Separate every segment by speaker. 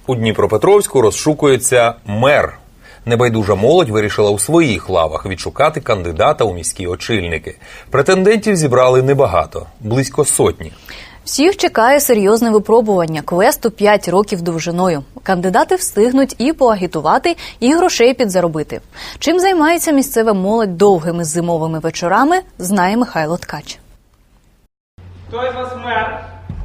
Speaker 1: У Дніпропетровську розшукується мер. Небайдужа молодь вирішила у своїх лавах відшукати кандидата у міські очільники. Претендентів зібрали небагато – близько сотні.
Speaker 2: Всіх чекає серйозне випробування квесту 5 років довжиною. Кандидати встигнуть і поагітувати, і грошей підзаробити. Чим займається місцева молодь довгими зимовими вечорами, знає Михайло Ткач.
Speaker 3: Хто із вас мер?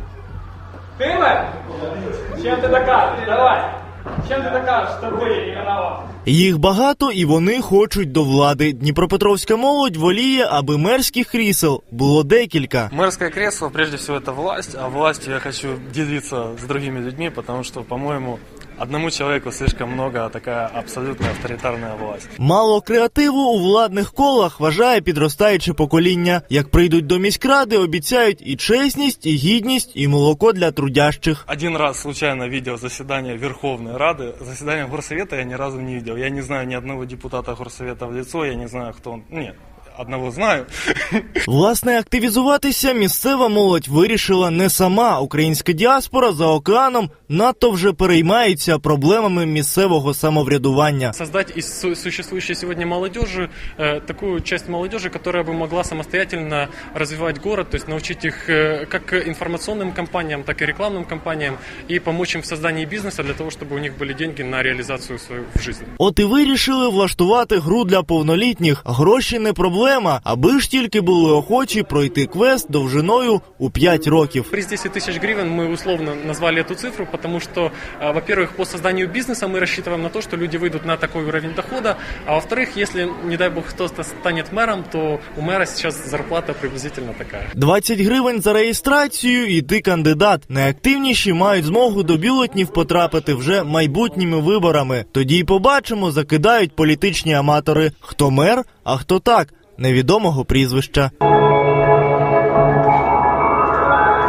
Speaker 3: Ти мер? Чим ти докажеш? Давай. Чим ти докажеш, що ти не виноват?
Speaker 4: Їх багато і вони хочуть до влади. Дніпропетровська молодь воліє, аби мерських крісел було декілька.
Speaker 5: Мэрское кресло, прежде всего, это власть, а властью я хочу делиться с другими людьми, потому что, по-моему, одному человеку слишком много, такая абсолютно авторитарная власть.
Speaker 4: Мало креативу у владних колах, вважає підростаюче покоління. Як прийдуть до міськради, обіцяють і чесність, і гідність, і молоко для трудящих.
Speaker 5: Один раз случайно видел заседание Верховной Рады, заседание Горсовета я ни разу не видел. Я не знаю ни одного депутата Горсовета в лицо, я не знаю, кто он. Нет. Одного знаю.
Speaker 4: Власне, активізуватися місцева молодь вирішила не сама. Українська діаспора за океаном надто вже переймається проблемами місцевого самоврядування.
Speaker 5: Создать из существующей сегодня молодежи такую часть молодежи, которая бы могла самостоятельно развивать город, то есть научить их как информационным кампаниям, так и рекламным кампаниям и помочь им в создании бизнеса для того, чтобы у них были деньги на реализацию свою в жизни.
Speaker 4: От і вирішили влаштувати гру для повнолітніх. Гроші не проблема, аби ж тільки були охочі пройти квест довжиною у 5 років.
Speaker 5: При 10 тысяч гривен мы условно назвали эту цифру, потому что, во-первых, по созданию бизнеса мы рассчитываем на то, что люди выйдут на такой уровень дохода, а во-вторых, если, не дай бог, кто-то станет мэром, то у мэра сейчас зарплата приблизительно такая.
Speaker 4: 20 гривень за реєстрацію і ти кандидат. Найактивніші мають змогу до бюлетнів потрапити вже майбутніми виборами. Тоді й побачимо, закидають політичні аматори. Хто мер, а хто так, невідомого прізвища.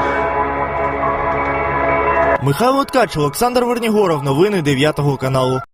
Speaker 4: Михайло Ткач, Олександр Вернігоров. Новини 9 каналу.